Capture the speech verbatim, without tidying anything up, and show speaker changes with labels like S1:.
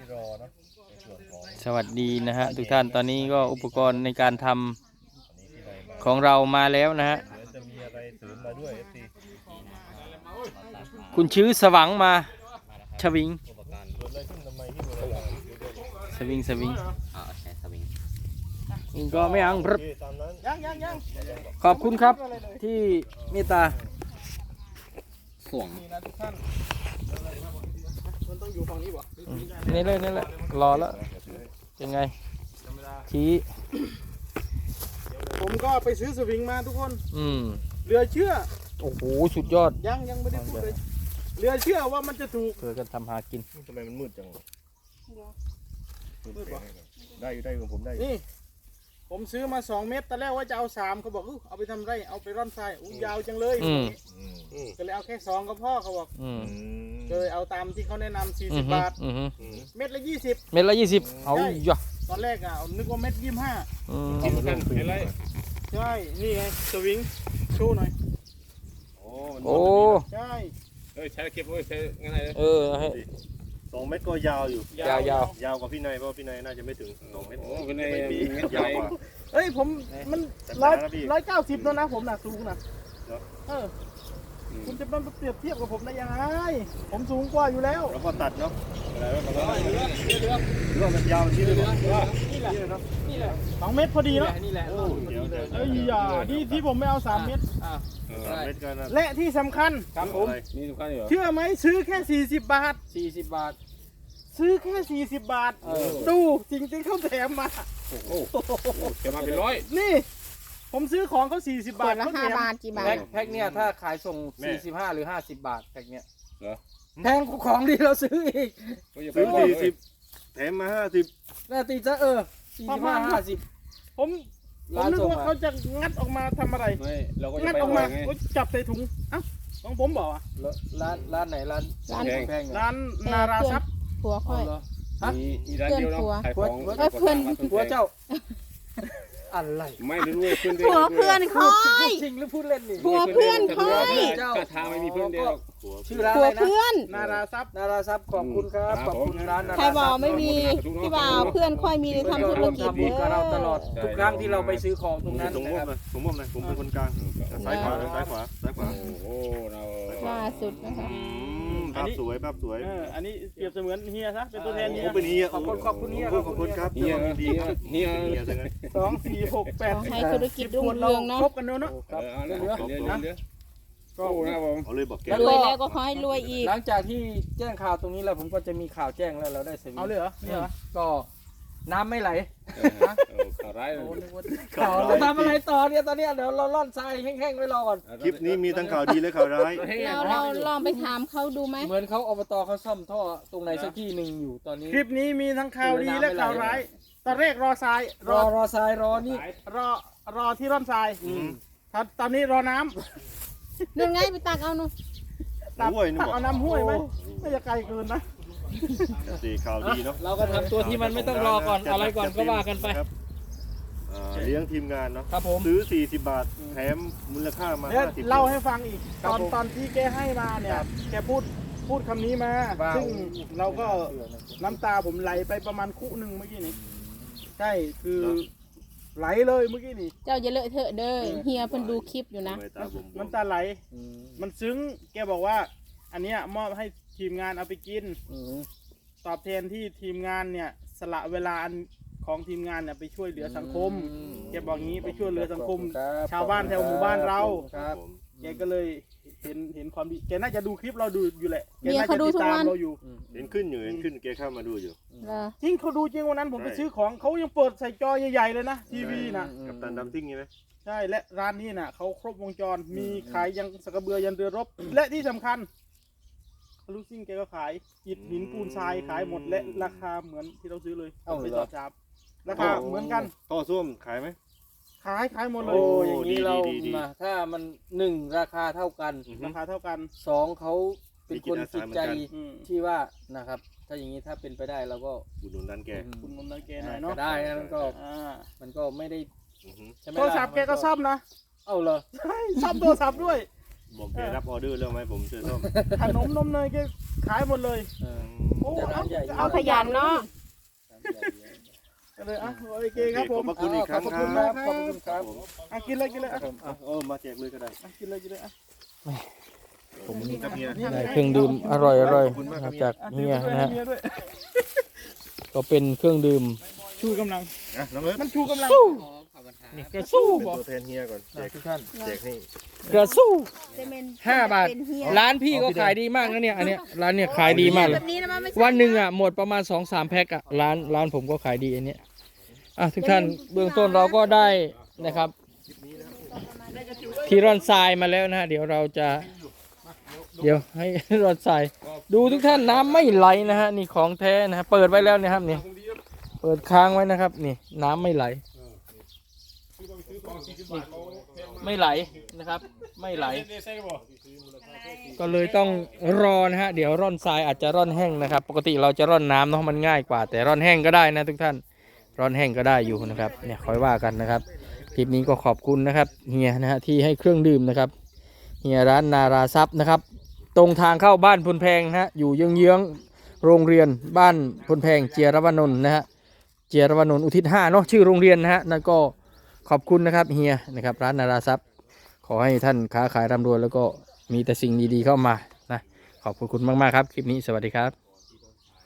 S1: รอเนาะในส่วนของ
S2: สวัสดีนะฮะทุกท่านตอนนี้ก็อุปกรณ์ในการทำของเรามาแล้วนะฮะ
S1: เดี๋ยวจะมีอะไรเสริมมาด้วย เอฟ ซี
S2: คุณชื่อสวังมาชวิง
S1: ตัวประกันเกิดอะไรขึ้นทำไมที่บริษัท
S2: สวิงสวิง
S3: อ่าใช่สวิง
S2: นี่ก็ไม่อังพรึบ
S1: โอเคตามนั้น
S4: ยังยังยัง
S2: ขอบคุณครับที่เมตตา
S3: ส่วง
S4: นี่นะทุกท่านมันต้องอยู่ฝั่งนี้บ่
S2: นี่เลยนี่แหละรอแล้วเป็นไงชี้
S4: ผมก็ไปซื้อสวิงมาทุกคน
S2: อืม
S4: เหลือเชื่อ
S2: โอ้โหสุดยอด
S4: ยังยังไม่ได้พูดเลยเหลือเชื่อว่ามันจะถูก
S2: เพื่อกันทำหากิน
S1: ทำไมมันมืดจังมืดปะได้อยู่ได้ของผมได้อยู่
S4: นี่ ผมซื้อมาสองเม็ดตอนแรกว่าจะเอาสามเขาบอกเออเอาไปทำไรเอาไปร่อนทรายอุ้ยยาวจังเลย
S2: อืม
S1: อืมอืม
S4: ก็เลยเอาแค่สองก็พ่อเขาบอก
S2: อืม
S4: ก็เลยเอาตามที่เขาแนะนำสี่
S2: อื
S4: สิ
S2: ม
S4: บบาท
S2: อืม
S1: อืม
S4: เม็ดละยี่สิบ
S2: เม็ดละยี่สิบเอาอย่า
S4: ตอนแรกอ่ะนึกว่าเม็ดยี่สิบห้า
S2: อืม
S1: เอามาลงฟรีไหม
S4: ใช่นี่ไงสวิงโชว์หน่อย
S1: โอ้มัน
S2: โอ้
S4: ใช่
S5: เอ้ยใช้เก็บไว้ใช้งั้นไง
S2: เออให้
S1: สองเมตรก็ยาวอยู่
S2: ยาว
S1: ยาวกว่าพี่นายเพราะว่าพี่นายน่าจะไม่ถึงสองเมตร
S5: โอ้เป็นไง
S1: ไม่มี
S5: เม็ดให
S1: ยา
S5: ญ่
S1: วกว่า
S4: เอ้ยผมมัน
S1: แต่
S4: ร้อย
S1: นะพี่
S4: ร้อยเก้าสิบแล้วนะผมน่ะสูงน่ะ
S1: เหรอ
S4: เออคุณจะมาเปรียบเทียบกับผมได้ยังไงผมสูงกว่าอยู่แล้ว
S1: แล้วก็ตัดเนาะแล้วเราก็เลือกเลือกเลือกมันยาวที่เลยเนาะ
S4: นี่แหละ
S1: นี่เลยเนาะ
S4: นี่แหละสองเมตรพอดีเนาะ
S2: นี่แหละ
S1: โอ้เดี๋ยวเดี๋ยว
S4: เอ้ยอย่าที่ที่ผมไม่เอาสามเมตร
S2: อ่ะ
S1: สามเมตรกันนะ
S4: และที่สำคัญ
S2: ครับผม
S5: นี่สำคัญอยู่เหรอ
S4: เชื่อไหมซื้อแค่สี่สิบบาท
S2: สี่สิบบาท
S4: ซื้อแค่สี่สิบบาท
S2: เออ
S4: ดูจริงๆเขาแถมมา
S5: โอ้เก็บมาเป็นร้อย
S4: นี่ ผมซื้อของเขาสี่สิบ
S6: ข
S4: บาว ท
S6: ดละ
S4: เขาแถ
S6: ห้าม บาทกี่บา
S2: แพ็
S6: ท
S2: คแพ็คเนี่ยถ้าขายส่งสี่สิบห้าหรือห้าสิบบาทแพ็คเนี่ย
S5: เหรอ
S2: แพงกว่าของที่เราซื้ออีก
S1: ซื้อสี่สิบแถมมาห้าสิบ
S2: น่าตีจะเออสี่สิบห้าห้าสิบ
S4: ผมผมนึกว่าเขาจะงัดออกมาทำอะไร
S5: ไม่เราก็จะ
S4: งัด
S5: ไป
S4: ออก
S5: ไง
S4: มาโอ๊ยจับใส่ถุงเอ้าของผมบอกอ่ะ
S2: ร้านร้านไหนร้าน
S6: ร้าน
S2: แพงเหรอ
S4: ร้านนาราทรัพย์
S6: ผัวค่อย
S2: เอาเหรอฮะ
S5: มีมีร้านเดียวเนาะขายของ
S6: เออเพื่อน
S2: หัวเจ้า อะไร
S5: ไม่รู้ว่าเพื่อนเดี
S6: ผัวเพื่อนค่อย
S2: จริงหรือพูดเล่นนี่
S6: ผัวเพื่อนค่อย
S5: กระทาไม่มีเพื่อนเดียว
S2: ชื่อร้าน
S6: ผั
S2: อะ
S6: ว
S2: ไรนะ
S6: เพื่อน
S4: นาราทรัพย์
S2: นาราทรัพย์ขอบคุณครับขอบคุณร้านนารา
S6: ใคร
S2: ท
S6: บ
S2: รั
S6: อก
S2: พย์
S6: ไม่มีพี่บ่าวเพื่อนค่อยมีได้ทำธุร
S2: ร่วม
S6: กิจ
S2: ทำบุญ
S6: เด้
S2: กับเราตลอด
S6: อ
S2: ทุกครั้งที่เราไปซื้อของตรงนั้น
S1: สมม
S2: นะ
S1: ติ
S2: ครับ
S1: นะสมมตินะผมเป็นคนกลางซ้ายขวาเลยซ้ายขวาซ้ายขวา
S5: โอ้โหเรา
S6: ล่าสุดนะคะ
S1: ภาพสวยภาพสวย
S4: เอออันนี้เปรียบเสมือนเฮียซะเป็นตัวแทนเฮี
S1: โอ้
S4: ย
S1: เป็นเฮีย
S2: ขอบคุณขอบคุณเฮีย
S1: ขอบคุณครับ
S5: เฮีย
S1: ดี
S5: เฮีย
S1: ครับ
S5: เฮีย
S1: เฮียซะงั้น
S4: สองสี่หกแปด
S6: ขอให้ธุรกิจรุ่งเรืองเนาะ
S4: ครบกันเนอะเนาะ
S5: เออเรือเรือเรือเรือ
S4: ก็
S5: โอ้นะผม
S1: เอาเลยบอกแก
S6: รวยแล้วก็ขอให้รวยอีก
S2: หลังจากที่แจ้งข่าวตรงนี้แล้วผมก็จะมีข่าวแจ้งแล้วเราได้เสร็จ
S4: เอาเลยเหรอนี่เหรอ
S2: ก็น้ำไม่ไหล
S5: ข่าวร้ายเลย
S2: ข่าวเราทำอะไรต่อเนี่ยตอนเนี้ยเดี๋ยวเราล่อนทรายแห้งๆไว้รอก่อน
S1: คลิปนี้มีทั้งข่าวดีและข่าวร้าย
S6: เราเราลองไปถามเขาดูไหม
S2: เหมือนเขาอบตเขาซ่อมท่อตรงไหนสักที่หนึ่งอยู่ตอนนี้
S4: คลิปนี้มีทั้งข่าวดีและข่าวร้ายตอนแรกรอทราย
S2: รอรอทรายรอนี่
S4: รอรอที่ร่อนทรายตอนตอนนี้รอน้ำ
S6: นู่นไงไปตักเอาหนู
S4: ตัก
S1: ห้วยนี่
S4: ตัก
S1: บอก
S4: เอาน้ำห้วยไหมไม่จะไกลเกินนะ
S1: ดีข่าวดีเนาะ
S2: เราก็ทำตัวที่มันไม่ต้องรอก่อนอะไรก่อนก็ว่ากันไป
S1: ครับอ่าเลี้ยงทีมงานเนาะ
S2: ครับผม
S1: ซื้อสี่สิบบาทแถมมูลค่ามา
S4: เดี๋ยว
S1: ห้าสิบ
S4: เล่าให้ฟังอีก
S2: ครั
S4: ต
S2: บ
S4: อน
S2: ผม
S4: ตอนที่แกให้มาเนี่ยแกพูดพูดคำนี้มา
S2: ว่า
S4: ซึ่งเราก็น้ำตาผมไหลไปประมาณคู่หนึ่งเมื่อกี้นี้ใช่คือไหลเลยเมื่อกี้นี้
S6: เจ้าอย่าเลอะเทอะเด้อเฮียเพิ่นดูคลิปอยู่นะ
S1: ทำไมตาบวมๆ
S4: น้ำตาไหล
S2: อืม
S4: มันซึ้งแกบอกว่า อันเนี้ยมอบให้ทีมงานเอาไปกิน
S2: อืม
S4: ตอบแทนที่ทีมงานเนี่ยสละเวลาอันของทีมงานเนี่ยไปช่วยเหลือสังคมแกบอกงี้ไปช่วยเหลือสังคม
S2: ครับ
S4: ชาวบ้านแถวหมู่บ้านเรา
S2: ครับ
S1: ผม
S4: แกก็เลยเห็นเห็นความดีแกน่าจะดูคลิปเราดูอยู่แหละแก
S6: เนี่ย
S4: น่า
S6: เขา
S4: จะ
S6: ดู
S4: ติด
S6: ทุก
S4: ตาม
S6: วัน
S4: เราอยู่
S1: เห็นขึ้นอยู่เห็นขึ้นแกเข้ามาดูอยู่
S6: เหรอ
S4: จริงเขาดูจริงวันนั้นผมไป
S1: ใช่
S4: ซื้อของเขายังเปิดใส่จอใหญ่ๆเลยนะทีวีนะ
S1: กับตันดำทิ้งใช่ไหม
S4: ใช่และร้านนี้น่ะเขาครบวงจรมีขายยังสกกระเบือยันเรือรบ และที่สำคัญลูกซิ่งแกก็ขายอิฐหินปูนทรายขายหมดและราคาเหมือนที่เราซื้อเลย
S2: เอ้า
S4: ไป
S2: เหรอ
S4: สอบถามราคาเหมือนกัน
S1: ท่อส้วมขายไหม
S4: ขายขายหมดเล
S2: โอ้
S4: ย
S2: อย่างนี้เรา
S1: ดีดีดี
S2: มาถ้ามันหนึ่งราคาเท่ากัน
S1: อือฮึ
S4: ราคาเท่ากัน
S2: สองเขาเป็นคน
S1: มีจิ
S2: จิ
S1: ต
S2: ต
S1: อาสา
S2: ใจ
S1: เหมือนกัน
S4: อืม
S2: ที่ว่านะครับ ถ้าอย่างนี้ถ้าเป็นไปได้เราก็
S1: อุดหนุนร้านแก
S4: คุณนนท์แกหน่อยเนาะ
S2: ก็ได้นะมันก็
S4: อ่า
S2: มันก็ไม่ได้
S1: อือฮึ
S2: ใช่ไหม
S4: โทรศัพท์แกก็ซ่อมนะ
S2: เอ้าเหรอ
S4: ใช่ซ่อมโทรศัพท์ด้วย
S1: บอกแกรับออเดอร์เรื่องไหมผมซื้อส้ม
S4: ขนมนมเนยแกขายหมดเลยโอ้เอา
S6: เอาขยันเนาะ
S4: ก็เลยอ่ะโอเคครับผม
S1: ขอบพระคุณอีกครั้ง
S4: ขอบ
S1: ค
S4: คุณ
S1: รั
S4: มาก
S1: บ
S4: ขอบคุณครับอ่ะกินเลยกินเลยอ่ะ
S1: อ่ะเออมาแจกเลยก็ได้
S4: อ่ะกินเลยกินเลยอ่ะ
S1: ผมกับเฮีย
S2: ได้เครื่องดื่มอร่อยอร่อย
S1: ขอบคุณมากครับ
S2: จาก
S4: อ่ะ
S2: เฮีย
S4: กิน
S2: นะ
S4: ด้วย
S2: ฮะ
S4: เฮียด้วย
S2: ก็เป็นเครื่องดื่ม
S4: ชูกำลัง
S1: อ่ะน้องเอิร์ธ
S4: มันชูกำลัง
S2: นี่กระสู้
S1: เป็น
S2: บอก
S1: ตัวแทนเฮียก่อนแจก
S2: ทุกท่าน
S1: แจกนี่
S2: กระสู้
S6: จะเป็น
S2: ห้าบาท
S6: เป็นเฮีย
S2: ร้านพี่ก็ขายดีมากนะเนี่ยอันเนี้ยร้านเนี่ยขายดีมากเล
S6: แบ
S2: ย
S6: บนี้นะมันไม่ใช่
S2: วันหนึ่งอ่ะหมดประมาณสองสามแพ็คอ่ะร้านร้านผมก็ขายดีอันเนี้ยอ่ะทุกท่านเบื้องต้นเราก็ได้นะครับที่ร่อนทรายมาแล้วนะฮะเดี๋ยวเราจะ เดี๋ยวให้ ร่อนทรายดูทุกท่านน้ำไม่ไหลนะฮะนี่ของแท้นะฮะเปิดไว้แล้วนะครับนี่เปิดค้างไว้นะครับนี่น้ำไม่ไหลนี่ไม่ไหลนะครับ ไม่ไหล ก็เลยต้องรอนะฮะเดี๋ยวร่อนทรายอาจจะร่อนแห้งนะครับ ปกติเราจะร่อนน้ำเนาะมันง่ายกว่า แต่ร่อนแห้งก็ได้นะทุกท่านร่อนแห้งก็ได้อยู่นะครับเนี่ยคอยว่ากันนะครับคลิปนี้ก็ขอบคุณนะครับเฮียนะฮะที่ให้เครื่องดื่มนะครับเฮียร้านนาราทรัพย์นะครับ ตรงทางเข้าบ้านพลแพงนะฮะอยู่เยื้องๆโรงเรียนบ้านพลแพงเจียรวนนท์นะฮะเจียรวนนท์อุทิศห้าเนาะชื่อโรงเรียนนะฮะนั่นก็ขอบคุณนะครับเฮียนะครับร้านนาราทรัพย์ขอให้ท่านค้าขายร่ำรวยแล้วก็มีแต่สิ่งดีๆเข้ามานะขอบคุณมากๆครับคลิปนี้สวัสดีครับ